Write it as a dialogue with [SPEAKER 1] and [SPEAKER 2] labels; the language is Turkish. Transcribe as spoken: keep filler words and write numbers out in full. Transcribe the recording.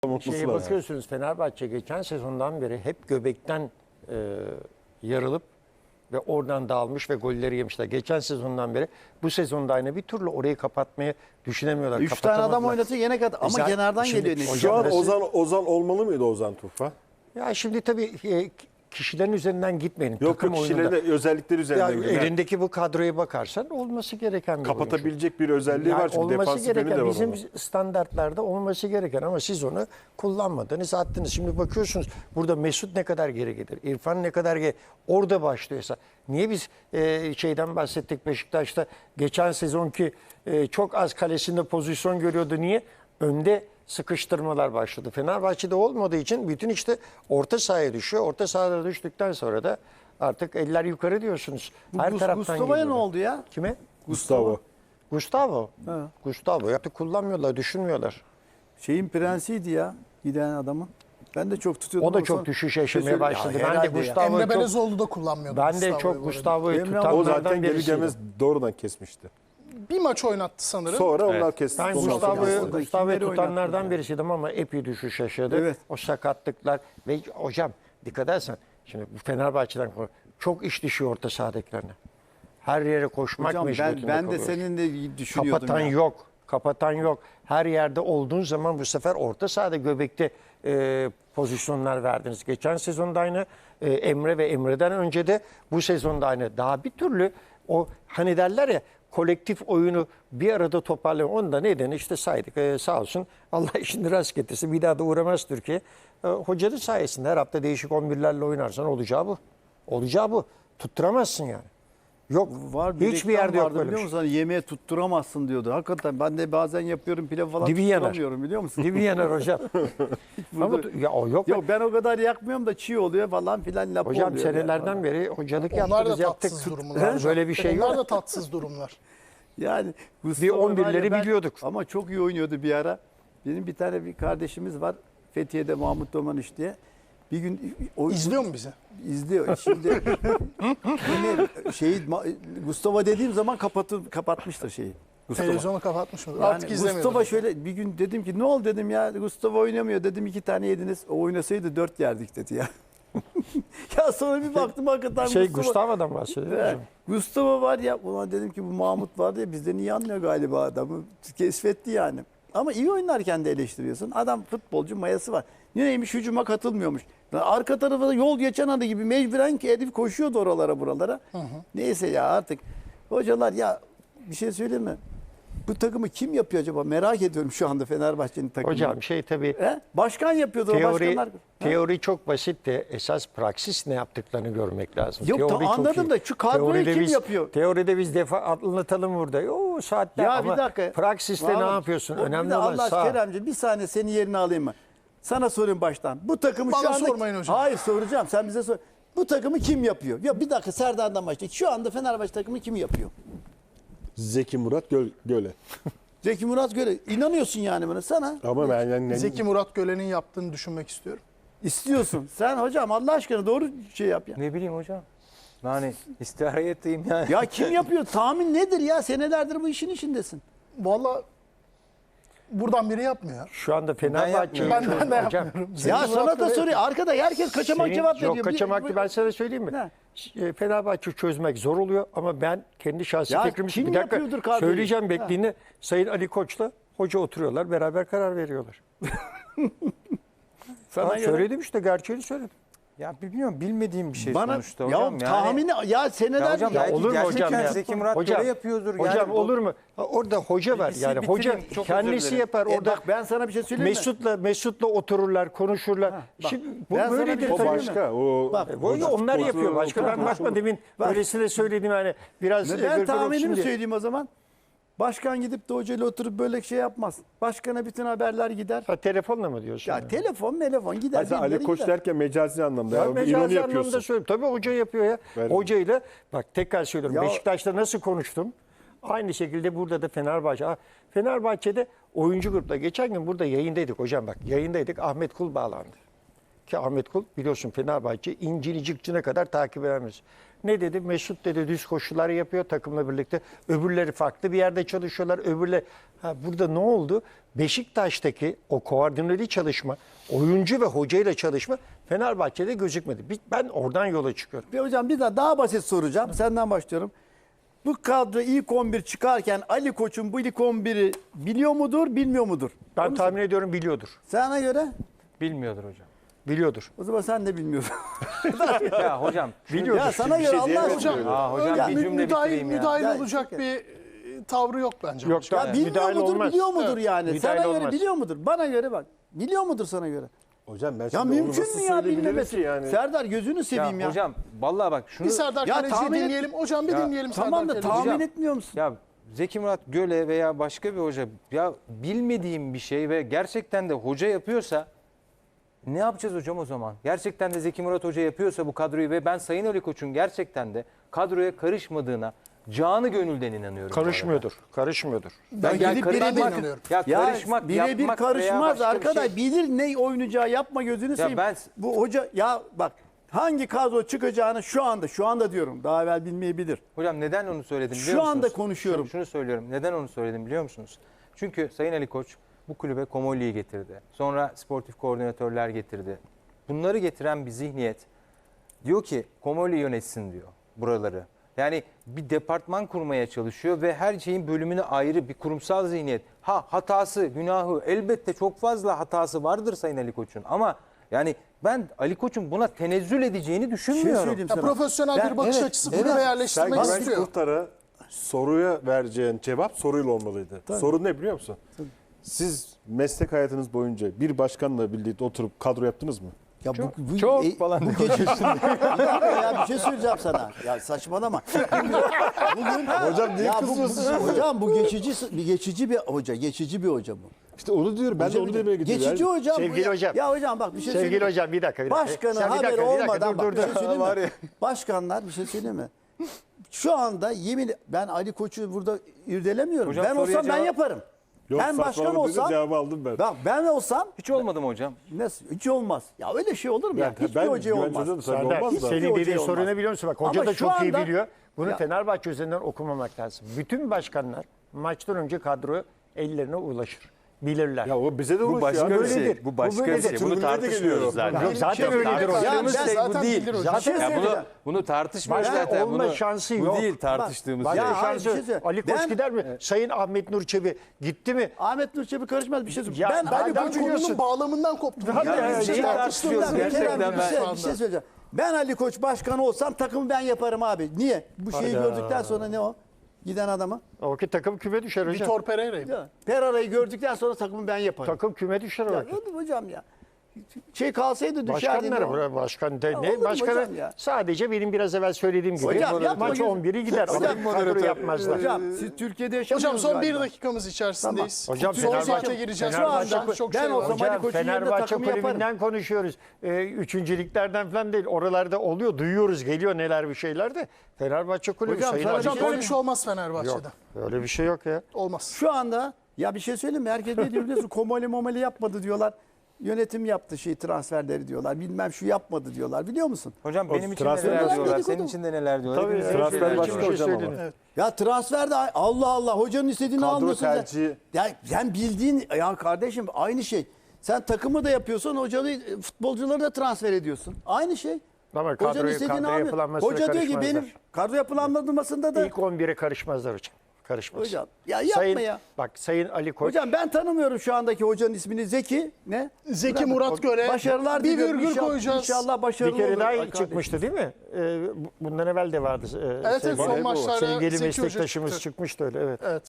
[SPEAKER 1] Mutlusu
[SPEAKER 2] Şeye
[SPEAKER 1] var
[SPEAKER 2] bakıyorsunuz Fenerbahçe geçen sezondan beri hep göbekten e, yarılıp ve oradan dağılmış ve golleri yemişler. Geçen sezondan beri bu sezonda aynı bir türlü orayı kapatmayı düşünemiyorlar.
[SPEAKER 3] Üç tane adam oynatıyor yine kat ama
[SPEAKER 2] Zaten
[SPEAKER 3] kenardan
[SPEAKER 2] şimdi
[SPEAKER 3] geliyor.
[SPEAKER 1] yani.
[SPEAKER 3] Hocam,
[SPEAKER 1] Şu an
[SPEAKER 2] nasıl-
[SPEAKER 1] Ozan Ozan olmalı mıydı Ozan Tufan?
[SPEAKER 2] Ya şimdi tabii e, kişilerin üzerinden gitmeyin.
[SPEAKER 1] Yok
[SPEAKER 2] Takım
[SPEAKER 1] yok
[SPEAKER 2] oyununda.
[SPEAKER 1] kişilerine özellikleri
[SPEAKER 2] Ya
[SPEAKER 1] üzerinden gidiyor.
[SPEAKER 2] elindeki bu kadroya bakarsan olması gereken bir oyuncu.
[SPEAKER 1] Kapatabilecek bir özelliği
[SPEAKER 2] Yani
[SPEAKER 1] var çünkü
[SPEAKER 2] olması
[SPEAKER 1] defansif yönü
[SPEAKER 2] gereken
[SPEAKER 1] de var
[SPEAKER 2] bizim
[SPEAKER 1] onun.
[SPEAKER 2] standartlarda olması gereken ama siz onu kullanmadınız, attınız. Şimdi bakıyorsunuz burada Mesut ne kadar geri gelir, İrfan ne kadar geri, orada başlıyorsa. Niye biz e, şeyden bahsettik Beşiktaş'ta geçen sezonki e, çok az kalesinde pozisyon görüyordu. Niye? Önde sıkıştırmalar başladı. Fenerbahçe'de olmadığı için bütün işte orta sahaya düşüyor. Orta sahada düştükten sonra da artık eller yukarı diyorsunuz. Her
[SPEAKER 3] Gus-
[SPEAKER 2] taraftan
[SPEAKER 3] Gustavo'ya
[SPEAKER 2] geliyorlar.
[SPEAKER 3] ne oldu ya?
[SPEAKER 2] Kime?
[SPEAKER 1] Gustavo.
[SPEAKER 2] Gustavo.
[SPEAKER 3] Ha.
[SPEAKER 2] Gustavo. Artık kullanmıyorlar, düşünmüyorlar.
[SPEAKER 3] Şeyin prensiydi ya giden adamın. Ben de çok tutuyordum.
[SPEAKER 2] O da
[SPEAKER 3] ama
[SPEAKER 2] çok
[SPEAKER 3] sonra-
[SPEAKER 2] düşüş yaşamaya
[SPEAKER 3] Ya
[SPEAKER 2] başladı. Ben de
[SPEAKER 3] herhalde ya.
[SPEAKER 2] Gustavo'yu
[SPEAKER 4] Emre
[SPEAKER 2] çok,
[SPEAKER 4] Belezoğlu da kullanmıyordu.
[SPEAKER 2] ben de
[SPEAKER 4] Gustavo'yu
[SPEAKER 2] çok
[SPEAKER 4] bu arada.
[SPEAKER 2] Gustavo'yu
[SPEAKER 3] Emre-
[SPEAKER 1] O
[SPEAKER 2] tutanlardan
[SPEAKER 1] zaten geri
[SPEAKER 2] birisiydi.
[SPEAKER 1] gelmez doğrudan kesmişti.
[SPEAKER 4] Bir maç oynattı sanırım.
[SPEAKER 1] Sonra onlar kesti.
[SPEAKER 2] Ben
[SPEAKER 1] Ondan sonra
[SPEAKER 2] Gustavo'yu
[SPEAKER 1] kesti.
[SPEAKER 2] Gustavo'yu
[SPEAKER 3] Kimleri
[SPEAKER 2] tutanlardan
[SPEAKER 3] oynattı
[SPEAKER 2] birisiydim ama epey düşüş yaşadı.
[SPEAKER 3] Evet.
[SPEAKER 2] O sakatlıklar ve hocam dikkat edersen şimdi bu Fenerbahçe'den çok iş düşüyor orta sahadakilerine. Her yere koşmak
[SPEAKER 3] Hocam ben,
[SPEAKER 2] mecburiyetinde
[SPEAKER 3] ben de
[SPEAKER 2] kalıyor.
[SPEAKER 3] senin de düşünüyordum
[SPEAKER 2] Kapatan
[SPEAKER 3] ya.
[SPEAKER 2] yok. Kapatan yok. Her yerde olduğun zaman bu sefer orta sahada göbekte e, pozisyonlar verdiniz. Geçen sezonda aynı e, Emre ve Emre'den önce de bu sezonda aynı. Daha bir türlü o hani derler ya kolektif oyunu bir arada toparlayan. Onu da nedeni işte saydık. E, sağ olsun Allah işini rast getirsin. Bir daha da uğramaz Türkiye. E, hocanın sayesinde her hafta değişik on birlerle oynarsan olacağı bu. Olacağı bu. Tutturamazsın yani. Yok.
[SPEAKER 3] Var bir
[SPEAKER 2] Hiçbir
[SPEAKER 3] reklam
[SPEAKER 2] yerde yok
[SPEAKER 3] vardı
[SPEAKER 2] böyle bir
[SPEAKER 3] biliyor
[SPEAKER 2] şey.
[SPEAKER 3] musun? Hani yemeğe tutturamazsın diyordu. Hakikaten ben de bazen yapıyorum pilav falan
[SPEAKER 2] Dibi yanar.
[SPEAKER 3] tutturamıyorum biliyor musun?
[SPEAKER 2] Dibi yanar hocam. Ama
[SPEAKER 3] Burada-
[SPEAKER 2] ya o yok.
[SPEAKER 3] Yok ben o kadar yakmıyorum da çiğ oluyor falan filan laf
[SPEAKER 2] Hocam
[SPEAKER 3] oluyor.
[SPEAKER 2] senelerden beri hocalık
[SPEAKER 4] Onlar da
[SPEAKER 2] yaptınız yaptık.
[SPEAKER 4] tatsız durumlar.
[SPEAKER 2] He? Böyle bir şey
[SPEAKER 4] Onlar
[SPEAKER 2] yok.
[SPEAKER 4] da tatsız durumlar.
[SPEAKER 3] Yani
[SPEAKER 2] Bir
[SPEAKER 3] Mustafa
[SPEAKER 2] on birleri
[SPEAKER 3] var ya ben-
[SPEAKER 2] biliyorduk.
[SPEAKER 3] Ama çok iyi oynuyordu bir ara. Benim bir tane bir kardeşimiz var. Fethiye'de Mahmut Domaniş diye. Bir gün o,
[SPEAKER 4] İzliyor mu bizi?
[SPEAKER 3] izliyor. Şimdi yine şeyi Ma- Mustafa dediğim zaman kapatı, kapatmıştır şeyi. Mustafa.
[SPEAKER 4] Televizyonu kapatmış mı?
[SPEAKER 3] Yani
[SPEAKER 4] Artık izlemiyorum.
[SPEAKER 3] Mustafa şöyle bir gün dedim ki ne oldu dedim ya Mustafa oynamıyor dedim iki tane yediniz. O oynasaydı dört yerdik dedi ya. Ya sonra bir baktım hakikaten
[SPEAKER 2] Şey
[SPEAKER 3] Mustafa.
[SPEAKER 2] Gustavo'dan bahsediyor
[SPEAKER 3] Evet.
[SPEAKER 2] hocam.
[SPEAKER 3] Mustafa var ya ulan dedim ki bu Mahmut var ya bizden iyi anlıyor galiba adamı. Keşfetti yani. Ama iyi oynarken de eleştiriyorsun. Adam futbolcu mayası var. Neymiş hücuma katılmıyormuş. Lan arka tarafa da yol geçen adı gibi mecburen ki herif koşuyordu oralara buralara. Neyse ya artık. Hocalar ya bir şey söyleyeyim mi? Bu takımı kim yapıyor acaba? Merak ediyorum şu anda Fenerbahçe'nin takımını.
[SPEAKER 2] Hocam şey tabii
[SPEAKER 3] He? Başkan yapıyordu o
[SPEAKER 2] teori,
[SPEAKER 3] başkanlar. He?
[SPEAKER 2] teori çok basit de esas praksis ne yaptıklarını görmek lazım.
[SPEAKER 3] Yok,
[SPEAKER 2] Teori
[SPEAKER 3] ta-
[SPEAKER 2] çok
[SPEAKER 3] anladım
[SPEAKER 2] iyi.
[SPEAKER 3] da şu kadroyu
[SPEAKER 2] Teoride
[SPEAKER 3] kim
[SPEAKER 2] biz-
[SPEAKER 3] yapıyor?
[SPEAKER 2] Teoride biz defa anlatalım burada. O saatler
[SPEAKER 3] Ya
[SPEAKER 2] ama
[SPEAKER 3] bir dakika.
[SPEAKER 2] praksiste ne
[SPEAKER 3] Vallahi-
[SPEAKER 2] yapıyorsun?
[SPEAKER 3] O bir
[SPEAKER 2] Önemli
[SPEAKER 3] de
[SPEAKER 2] olan
[SPEAKER 3] Allah
[SPEAKER 2] sağ.
[SPEAKER 3] aşkına Keremciğim bir saniye senin yerine alayım mı? Sana sorayım baştan. Bu takımı
[SPEAKER 4] Bana
[SPEAKER 3] şu anda...
[SPEAKER 4] sormayın hocam.
[SPEAKER 3] Hayır soracağım sen bize sor. Bu takımı kim yapıyor? Ya bir dakika Serdar'dan başlayalım. Şu anda Fenerbahçe takımı kim yapıyor?
[SPEAKER 1] Zeki Murat Göl, Göle.
[SPEAKER 3] Zeki Murat Göle. İnanıyorsun yani buna sana.
[SPEAKER 1] Ama ben yani
[SPEAKER 4] Zeki Murat Gölen'in yaptığını düşünmek istiyorum.
[SPEAKER 3] İstiyorsun. Sen hocam Allah aşkına doğru şey yap ya.
[SPEAKER 5] Ne bileyim hocam. Yani istihare ettiğim yani.
[SPEAKER 3] Ya kim yapıyor? Tahmin nedir ya? Senelerdir bu işin içindesin.
[SPEAKER 4] Vallahi buradan biri yapmıyor. ya.
[SPEAKER 2] Şu anda Fenerbahçe
[SPEAKER 5] yapmıyorum.
[SPEAKER 4] Ben, ben de
[SPEAKER 2] hocam,
[SPEAKER 4] yapmıyorum.
[SPEAKER 3] Ya
[SPEAKER 4] Zeki
[SPEAKER 3] sana
[SPEAKER 4] Murat
[SPEAKER 3] da
[SPEAKER 4] Gölen-
[SPEAKER 3] soruyor. Arkada herkes kaçamak
[SPEAKER 2] Senin-
[SPEAKER 3] cevap veriyor.
[SPEAKER 2] Yok
[SPEAKER 3] Bir-
[SPEAKER 2] kaçamaklı ben sana söyleyeyim mi?
[SPEAKER 3] Ne?
[SPEAKER 2] E, Fenerbahçe çözmek zor oluyor ama ben kendi şahsi
[SPEAKER 3] Ya
[SPEAKER 2] fikrimi
[SPEAKER 3] kim
[SPEAKER 2] bir dakika
[SPEAKER 3] yapıyordur kadroyu?
[SPEAKER 2] söyleyeceğim
[SPEAKER 3] Ha.
[SPEAKER 2] bekleyin. Sayın Ali Koç'la hoca oturuyorlar beraber karar veriyorlar.
[SPEAKER 3] Sana
[SPEAKER 2] Ha,
[SPEAKER 3] göre-
[SPEAKER 2] söyledim işte gerçeğini söyledim.
[SPEAKER 5] Ya bilmiyorum bilmediğim bir şey
[SPEAKER 3] Bana
[SPEAKER 5] sonuçta
[SPEAKER 3] ya
[SPEAKER 5] hocam. Yani,
[SPEAKER 3] tahmini ya seneler
[SPEAKER 5] Ya hocam,
[SPEAKER 3] ya,
[SPEAKER 5] belki
[SPEAKER 2] olur mu
[SPEAKER 5] gerçekten
[SPEAKER 2] hocam ya?
[SPEAKER 5] Zeki Murat
[SPEAKER 2] hocam,
[SPEAKER 5] böyle yapıyordur.
[SPEAKER 2] Hocam
[SPEAKER 5] Yani bu-
[SPEAKER 2] olur mu? Ha, orada hoca var
[SPEAKER 5] Birisi
[SPEAKER 2] yani
[SPEAKER 5] bitirin,
[SPEAKER 2] hoca
[SPEAKER 5] çok özür
[SPEAKER 2] kendisi
[SPEAKER 5] dilerim.
[SPEAKER 2] yapar
[SPEAKER 3] E
[SPEAKER 2] orada.
[SPEAKER 3] bak ben sana bir şey söyleyeyim mi?
[SPEAKER 2] Mesut'la Mesut'la otururlar, konuşurlar.
[SPEAKER 3] bak,
[SPEAKER 2] Şimdi bu
[SPEAKER 3] ben sana bir
[SPEAKER 2] böyledir
[SPEAKER 3] şey
[SPEAKER 1] o
[SPEAKER 2] tabii.
[SPEAKER 3] söyleyeyim mi?
[SPEAKER 1] başka. O,
[SPEAKER 3] Bak,
[SPEAKER 2] E, bu- onlar yapıyor. Başka ben bakma demin öylesine söyledim hani biraz.
[SPEAKER 3] Ne,
[SPEAKER 2] e,
[SPEAKER 3] ben
[SPEAKER 2] gırgır olsun
[SPEAKER 3] tahminimi
[SPEAKER 2] diye.
[SPEAKER 3] söyleyeyim o zaman. Başkan gidip de hocayla oturup böyle şey yapmaz. Başkana bütün haberler gider.
[SPEAKER 2] Ha, telefonla mı diyorsun?
[SPEAKER 3] Ya
[SPEAKER 2] yani?
[SPEAKER 3] telefon telefon gider.
[SPEAKER 1] Hayır, sen Ali
[SPEAKER 3] birileri
[SPEAKER 1] Koç
[SPEAKER 3] gider.
[SPEAKER 1] derken mecazi anlamda.
[SPEAKER 2] Ya
[SPEAKER 1] Ya,
[SPEAKER 2] mecazi
[SPEAKER 1] ironi
[SPEAKER 2] anlamda
[SPEAKER 1] yapıyorsun.
[SPEAKER 2] söylüyorum. Tabii hoca yapıyor ya.
[SPEAKER 1] Ben-
[SPEAKER 2] Hocayla bak tekrar söylüyorum.
[SPEAKER 3] Ya-
[SPEAKER 2] Beşiktaş'ta nasıl konuştum? Aynı şekilde burada da Fenerbahçe. Ha, Fenerbahçe'de oyuncu grupla geçen gün burada yayındaydık hocam bak. Yayındaydık. Ahmet Kul bağlandı. ki Ahmet Kul biliyorsun Fenerbahçe incinicikçine kadar takip edemez. Ne dedi? Mesut dedi düz koşular yapıyor takımla birlikte. Öbürleri farklı bir yerde çalışıyorlar. Öbürleri ha, burada ne oldu? Beşiktaş'taki o koordineli çalışma, oyuncu ve hocayla çalışma Fenerbahçe'de gözükmedi. Biz- Ben oradan yola çıkıyorum.
[SPEAKER 3] Bir hocam bir daha, daha basit soracağım. Senden başlıyorum. Bu kadro ilk on bir çıkarken Ali Koç'un bu ilk on biri biliyor mudur, bilmiyor mudur?
[SPEAKER 2] Ben
[SPEAKER 3] Onu
[SPEAKER 2] tahmin ediyorum biliyordur.
[SPEAKER 3] Sana göre
[SPEAKER 5] Bilmiyordur hocam.
[SPEAKER 2] Biliyordur.
[SPEAKER 3] o zaman sen de bilmiyorsun.
[SPEAKER 5] Ya hocam.
[SPEAKER 2] Biliyordur.
[SPEAKER 3] ya sana
[SPEAKER 1] bir
[SPEAKER 3] göre
[SPEAKER 1] şey
[SPEAKER 3] Allah
[SPEAKER 1] diyemem
[SPEAKER 3] aşkına.
[SPEAKER 1] öyle.
[SPEAKER 5] Aa, hocam
[SPEAKER 3] Ya,
[SPEAKER 5] bir
[SPEAKER 4] Mü-
[SPEAKER 5] cümle
[SPEAKER 4] müdahil,
[SPEAKER 5] bitireyim ya.
[SPEAKER 4] müdahil
[SPEAKER 3] Ya,
[SPEAKER 4] olacak
[SPEAKER 3] işte-
[SPEAKER 4] bir e, tavrı yok bence.
[SPEAKER 2] Yok,
[SPEAKER 4] hocam.
[SPEAKER 3] Ya
[SPEAKER 2] ben-
[SPEAKER 3] bilmiyor
[SPEAKER 2] müdahale
[SPEAKER 3] mudur,
[SPEAKER 2] olmaz.
[SPEAKER 3] biliyor mudur
[SPEAKER 2] Evet.
[SPEAKER 3] yani?
[SPEAKER 2] Müdahale
[SPEAKER 3] Sana göre
[SPEAKER 2] olmaz.
[SPEAKER 3] biliyor mudur? Bana göre bak. Biliyor mudur sana göre?
[SPEAKER 1] Hocam ben
[SPEAKER 3] Ya
[SPEAKER 1] şimdi onu
[SPEAKER 3] mümkün
[SPEAKER 1] nasıl
[SPEAKER 3] mü ya
[SPEAKER 1] söyleyebilirim
[SPEAKER 3] bilmemesi?
[SPEAKER 1] ki yani?
[SPEAKER 3] Serdar gözünü seveyim ya.
[SPEAKER 5] Ya hocam vallahi bak şunu
[SPEAKER 4] Bir Serdar
[SPEAKER 3] Ya
[SPEAKER 4] Kaleci'yi
[SPEAKER 3] tahmin et-
[SPEAKER 4] dinleyelim. Hocam bir
[SPEAKER 5] Ya,
[SPEAKER 4] dinleyelim
[SPEAKER 3] Tamam da
[SPEAKER 4] Serdar
[SPEAKER 3] tahmin
[SPEAKER 4] Kaleci'yi.
[SPEAKER 3] etmiyor musun?
[SPEAKER 5] ya Zeki Murat Göle veya başka bir hoca ya bilmediğim bir şey ve gerçekten de hoca yapıyorsa ne yapacağız hocam o zaman? Gerçekten de Zeki Murat Hoca yapıyorsa bu kadroyu ve ben Sayın Ali Koç'un gerçekten de kadroya karışmadığına canı gönülden inanıyorum. bu arada.
[SPEAKER 2] Karışmıyordur. Karışmıyordur.
[SPEAKER 5] Ben
[SPEAKER 3] Ya gidip
[SPEAKER 5] karışmak,
[SPEAKER 3] birebir-
[SPEAKER 4] inanıyorum.
[SPEAKER 5] ya
[SPEAKER 3] Ya
[SPEAKER 5] karışmak,
[SPEAKER 3] birebir
[SPEAKER 5] yapmak veya
[SPEAKER 3] karışmaz
[SPEAKER 5] başka bir
[SPEAKER 3] arkadaş.
[SPEAKER 5] şey-
[SPEAKER 3] Bilir ne oynayacağı yapma gözünü seveyim.
[SPEAKER 5] ben-
[SPEAKER 3] Bu hoca ya bak hangi kadro çıkacağını şu anda şu anda diyorum. Daha evvel bilmeyebilir.
[SPEAKER 5] Hocam neden onu söyledim biliyor
[SPEAKER 3] Şu
[SPEAKER 5] musunuz?
[SPEAKER 3] anda konuşuyorum.
[SPEAKER 5] Şunu, şunu söylüyorum. Neden onu söyledim biliyor musunuz? Çünkü Sayın Ali Koç bu kulübe Komolli'yi getirdi. Sonra sportif koordinatörler getirdi. Bunları getiren bir zihniyet diyor ki Komolli yönetsin diyor buraları. Yani bir departman kurmaya çalışıyor ve her şeyin bölümünü ayrı bir kurumsal zihniyet. Ha hatası, günahı elbette çok fazla hatası vardır Sayın Ali Koç'un ama yani ben Ali Koç'un buna tenezzül edeceğini
[SPEAKER 3] Bir şey
[SPEAKER 5] düşünmüyorum.
[SPEAKER 3] söyleyeyim
[SPEAKER 4] Ya
[SPEAKER 3] sana.
[SPEAKER 4] profesyonel
[SPEAKER 3] Ben-
[SPEAKER 4] bir bakış
[SPEAKER 3] evet,
[SPEAKER 4] açısı
[SPEAKER 3] evet.
[SPEAKER 4] bunu
[SPEAKER 1] Sen
[SPEAKER 4] yerleştirmek
[SPEAKER 1] Güvenç
[SPEAKER 4] istiyor.
[SPEAKER 1] Kurtar'a soruya vereceğin cevap soruyla olmalıydı. Sorun ne biliyor musun? Siz meslek hayatınız boyunca bir başkanla birlikte oturup kadro yaptınız mı?
[SPEAKER 3] Ya bu, bu,
[SPEAKER 5] çok
[SPEAKER 3] e,
[SPEAKER 5] falan
[SPEAKER 3] bu gece, bir dakika ya bir şey söyleyeceğim sana. Ya saçmalama. Bugün,
[SPEAKER 1] Hocam niye
[SPEAKER 3] ya bu,
[SPEAKER 1] kızıyorsun?
[SPEAKER 3] bu- hocam bu geçici bir geçici bir hoca, geçici bir hoca bu.
[SPEAKER 1] İşte onu diyorum. Ben de
[SPEAKER 3] Hoca
[SPEAKER 1] onu
[SPEAKER 3] bir-
[SPEAKER 1] demeye gidiyorum.
[SPEAKER 3] Geçici
[SPEAKER 1] Yani.
[SPEAKER 3] hocam. bu
[SPEAKER 2] Sevgili
[SPEAKER 3] ya.
[SPEAKER 2] hocam.
[SPEAKER 3] Ya hocam bak bir şey
[SPEAKER 2] Sevgili
[SPEAKER 3] söyleyeyim.
[SPEAKER 2] hocam bir dakika. Bir dakika.
[SPEAKER 3] Başkanın
[SPEAKER 2] Sen bir
[SPEAKER 3] haberi
[SPEAKER 2] dakika, bir dakika,
[SPEAKER 3] olmadan
[SPEAKER 2] dur,
[SPEAKER 3] bak
[SPEAKER 2] dur,
[SPEAKER 3] bir
[SPEAKER 2] dur.
[SPEAKER 3] şey söyleyeyim
[SPEAKER 1] Var
[SPEAKER 3] mi?
[SPEAKER 1] ya.
[SPEAKER 3] Başkanlar bir şey söyleyeyim mi? Şu anda yemin ben Ali Koç'u burada irdelemiyorum.
[SPEAKER 5] Hocam
[SPEAKER 3] ben
[SPEAKER 5] soruya
[SPEAKER 3] olsam ben
[SPEAKER 5] cevap-
[SPEAKER 3] yaparım.
[SPEAKER 1] Yok,
[SPEAKER 3] ben başkan
[SPEAKER 1] saçmalama dedin,
[SPEAKER 3] olsam
[SPEAKER 1] cevabı aldım ben.
[SPEAKER 3] bak ben olsam
[SPEAKER 5] Hiç olmadı mı hocam?
[SPEAKER 3] nasıl hiç olmaz. Ya öyle şey olur mu ya?
[SPEAKER 1] Yani
[SPEAKER 3] Hiçbir
[SPEAKER 1] ben
[SPEAKER 3] hocaya
[SPEAKER 1] Güvenç
[SPEAKER 3] olmaz.
[SPEAKER 1] Hoca'nın tabii
[SPEAKER 2] Serdar,
[SPEAKER 1] olmaz da.
[SPEAKER 3] Hiçbir
[SPEAKER 2] senin
[SPEAKER 3] hocaya
[SPEAKER 2] dediğin soru
[SPEAKER 3] olmaz.
[SPEAKER 2] ne biliyor musun? Bak hoca
[SPEAKER 3] Ama
[SPEAKER 2] da
[SPEAKER 3] şu
[SPEAKER 2] çok iyi
[SPEAKER 3] anda-
[SPEAKER 2] biliyor. Bunu
[SPEAKER 3] Ya-
[SPEAKER 2] Fenerbahçe üzerinden okumamak lazım. Bütün başkanlar maçtan önce kadro ellerine ulaşır. Bilirler.
[SPEAKER 1] Ya o bize de
[SPEAKER 5] Bu
[SPEAKER 1] uğraşıyor.
[SPEAKER 5] başka
[SPEAKER 1] abi.
[SPEAKER 5] bir
[SPEAKER 2] böyledir.
[SPEAKER 5] şey. Bu başka
[SPEAKER 2] Bu
[SPEAKER 5] bir
[SPEAKER 2] böyledir.
[SPEAKER 5] şey. Bunu
[SPEAKER 1] Tribünlere de
[SPEAKER 5] tartışmıyoruz
[SPEAKER 1] geliyor.
[SPEAKER 5] zaten.
[SPEAKER 2] Yok, zaten öyledir hocam.
[SPEAKER 5] Tartıştığımız
[SPEAKER 3] Ya ben-
[SPEAKER 5] şey bu
[SPEAKER 4] zaten
[SPEAKER 5] değil.
[SPEAKER 4] bilir hocam.
[SPEAKER 3] Bir şey
[SPEAKER 5] Ya bunu,
[SPEAKER 3] söyleyeceğim.
[SPEAKER 5] bunu tartışmıyoruz
[SPEAKER 2] Başka
[SPEAKER 5] zaten.
[SPEAKER 2] olma
[SPEAKER 5] Bunu,
[SPEAKER 2] şansı
[SPEAKER 5] bu
[SPEAKER 2] yok.
[SPEAKER 5] değil tartıştığımız
[SPEAKER 2] Başka
[SPEAKER 5] şey.
[SPEAKER 3] Ya hayır,
[SPEAKER 2] şansı
[SPEAKER 3] bir
[SPEAKER 2] yok.
[SPEAKER 3] şey söyle.
[SPEAKER 2] Ali Koç
[SPEAKER 3] Ben-
[SPEAKER 2] gider mi? Sayın Ahmet Nur Çebi gitti mi?
[SPEAKER 3] Ahmet Nur Çebi karışmaz bir şey söyleyeyim.
[SPEAKER 2] Ya
[SPEAKER 3] Ben
[SPEAKER 2] ben-
[SPEAKER 3] Ali
[SPEAKER 2] ben
[SPEAKER 3] Koç'u
[SPEAKER 2] biliyorsun.
[SPEAKER 4] Konunun bağlamından koptum.
[SPEAKER 2] Tabii
[SPEAKER 4] Yani
[SPEAKER 2] ya,
[SPEAKER 4] biz
[SPEAKER 2] şeyi
[SPEAKER 4] şey
[SPEAKER 5] tartışıyoruz
[SPEAKER 4] tartışıyoruz.
[SPEAKER 3] Kerem,
[SPEAKER 5] gerçekten
[SPEAKER 3] bir
[SPEAKER 5] ben.
[SPEAKER 3] şey,
[SPEAKER 4] şu
[SPEAKER 3] bir
[SPEAKER 4] anda.
[SPEAKER 3] şey söyleyeceğim. Ben Ali Koç başkan olsam takımı ben yaparım abi. Niye? Bu şeyi
[SPEAKER 2] Hayda.
[SPEAKER 3] gördükten sonra ne o? Giden adama.
[SPEAKER 2] O vakit takım küme düşer hocam.
[SPEAKER 4] Vitor Pereira'yı.
[SPEAKER 3] Ya, Perara'yı gördükten sonra takımı ben yaparım.
[SPEAKER 2] Takım küme düşer o
[SPEAKER 3] Ya,
[SPEAKER 2] vakit.
[SPEAKER 3] oğlum hocam ya. Şey kalsaydı düşerdi.
[SPEAKER 2] Başkanlar
[SPEAKER 3] o.
[SPEAKER 2] buraya başkan de,
[SPEAKER 3] Ya olur
[SPEAKER 2] ne
[SPEAKER 3] mu
[SPEAKER 2] başkanı
[SPEAKER 3] hocam ya?
[SPEAKER 2] sadece benim biraz evvel söylediğim gibi
[SPEAKER 3] Hocam yapma
[SPEAKER 2] maç
[SPEAKER 3] gözü-
[SPEAKER 2] on biri gider ama
[SPEAKER 3] Hocam,
[SPEAKER 2] kadro
[SPEAKER 5] moderatör.
[SPEAKER 2] yapmazlar.
[SPEAKER 3] Hocam siz Türkiye'de
[SPEAKER 4] Hocam
[SPEAKER 3] yaşamıyorsunuz
[SPEAKER 4] son bir
[SPEAKER 3] galiba.
[SPEAKER 4] dakikamız içerisindeyiz.
[SPEAKER 2] Tamam. Hocam,
[SPEAKER 4] Son
[SPEAKER 2] Fenerbahçe-
[SPEAKER 4] saate gireceğiz. Şu
[SPEAKER 2] Fenerbahçe-
[SPEAKER 4] anda çok
[SPEAKER 3] Ben
[SPEAKER 4] şey var.
[SPEAKER 3] olsam- Ali
[SPEAKER 2] Hocam
[SPEAKER 3] Koç'un yerinde
[SPEAKER 2] Fenerbahçe
[SPEAKER 3] takımı yaparım.
[SPEAKER 2] kulübünden konuşuyoruz. Ee, üçüncülüklerden falan değil. Oralarda oluyor, duyuyoruz, geliyor neler bir şeyler de. Fenerbahçe kulübü
[SPEAKER 3] Hocam,
[SPEAKER 2] Sayın
[SPEAKER 3] sana-
[SPEAKER 2] Ali
[SPEAKER 4] Hocam
[SPEAKER 2] Koç-
[SPEAKER 4] böyle bir şey olmaz
[SPEAKER 2] Yok,
[SPEAKER 4] Fenerbahçe'de.
[SPEAKER 2] öyle bir şey yok ya.
[SPEAKER 4] Olmaz.
[SPEAKER 3] Şu anda ya bir şey söyleyeyim mi? Herkes ne diyor biliyorsun? Komoli momoli yapmadı diyorlar. Yönetim yaptı şey transferleri diyorlar. Bilmem şu yapmadı diyorlar. Biliyor musun?
[SPEAKER 5] Hocam
[SPEAKER 1] O
[SPEAKER 5] benim için
[SPEAKER 1] transfer-
[SPEAKER 5] neler diyorlar,
[SPEAKER 3] Dedikodu.
[SPEAKER 5] senin için de neler diyorlar.
[SPEAKER 2] Tabii,
[SPEAKER 5] Hepimiz
[SPEAKER 2] evet,
[SPEAKER 5] öyle
[SPEAKER 1] transfer
[SPEAKER 5] şeyler
[SPEAKER 1] başka
[SPEAKER 5] diyoruz.
[SPEAKER 1] hocam
[SPEAKER 2] söylediniz.
[SPEAKER 1] ama.
[SPEAKER 3] Ya transferde Allah Allah hocanın istediğini
[SPEAKER 1] Kadro
[SPEAKER 3] almıyorsun. sen.
[SPEAKER 1] tercihi.
[SPEAKER 3] Ya sen bildiğin ya kardeşim aynı şey. Sen takımı da yapıyorsun, hocalı futbolcuları da transfer ediyorsun. Aynı şey.
[SPEAKER 2] Ama
[SPEAKER 3] Hocanın
[SPEAKER 2] kadroyu,
[SPEAKER 3] istediğini
[SPEAKER 2] kadro
[SPEAKER 3] almıyor.
[SPEAKER 2] yapılanmasına
[SPEAKER 3] Hoca diyor ki
[SPEAKER 2] karışmazlar.
[SPEAKER 3] benim kadro yapılanmasında da
[SPEAKER 2] İlk on bire karışmazlar hocam. Karışmaz.
[SPEAKER 3] hocam ya yapma
[SPEAKER 2] Sayın,
[SPEAKER 3] ya.
[SPEAKER 2] Bak Sayın Ali Koç.
[SPEAKER 3] Hocam ben tanımıyorum şu andaki hocanın ismini. Zeki ne?
[SPEAKER 4] Zeki Murat Göre.
[SPEAKER 3] Başarılar
[SPEAKER 4] bir
[SPEAKER 3] diliyorum.
[SPEAKER 4] virgül
[SPEAKER 3] İnşallah-
[SPEAKER 4] koyacağız.
[SPEAKER 3] İnşallah başarılı
[SPEAKER 2] bir kere
[SPEAKER 3] olur.
[SPEAKER 2] daha
[SPEAKER 3] Ay
[SPEAKER 2] ilk
[SPEAKER 3] kardeşim.
[SPEAKER 2] çıkmıştı değil mi? Ee, bu- bundan evvel de vardı. Ee,
[SPEAKER 4] evet,
[SPEAKER 2] sevgili,
[SPEAKER 4] son maçlarda
[SPEAKER 2] sevgili
[SPEAKER 4] Zeki Hoca
[SPEAKER 2] meslektaşımız
[SPEAKER 4] çıktı.
[SPEAKER 2] çıkmıştı öyle. Evet.
[SPEAKER 4] Evet.